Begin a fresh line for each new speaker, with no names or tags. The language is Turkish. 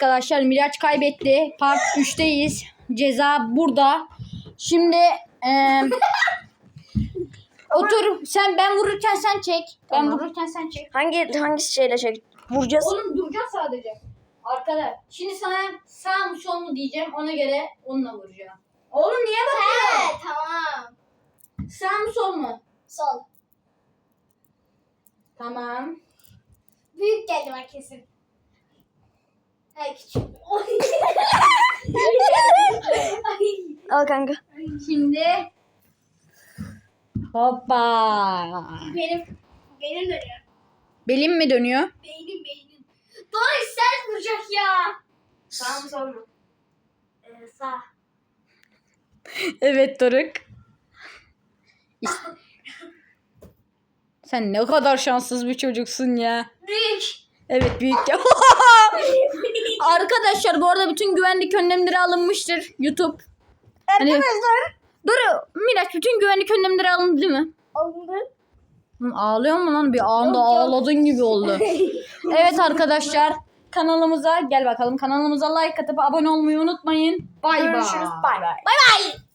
arkadaşlar. Miraç kaybetti. Part 3'teyiz. Ceza burada. Şimdi otur. Ben vururken sen çek. Ben
Tamam.
vururken sen çek.
Hangi şeyle vuracağız?
Oğlum duracağız sadece. Arkada. Şimdi sana sağ mı sol mu diyeceğim. Ona göre onunla vuracağım. Oğlum niye bakıyorsun?
Tamam.
Sağ mı sol mu?
Sol.
Tamam.
Büyük geldi bak kesin. Hayır küçük.
Al kanka.
Şimdi hoppa.
Benim dönüyor.
Belim mi dönüyor?
Beynim. Doğru sert vuracak ya.
Sağ mı sol mu?
Sağ.
Evet Doruk. Sen ne kadar şanssız bir çocuksun ya.
Büyük.
Evet büyük ya. Arkadaşlar bu arada bütün güvenlik önlemleri alınmıştır. YouTube.
Arkadaşlar.
Doruk, Miraç bütün güvenlik önlemleri alındı değil mi?
Alındı.
Ağlıyor mu lan? Bir anda
Yok.
ağladın gibi oldu. Evet arkadaşlar kanalımıza gel bakalım. Kanalımıza like atıp abone olmayı unutmayın. Bay bay.
Görüşürüz. Bay bay.
Bay bay.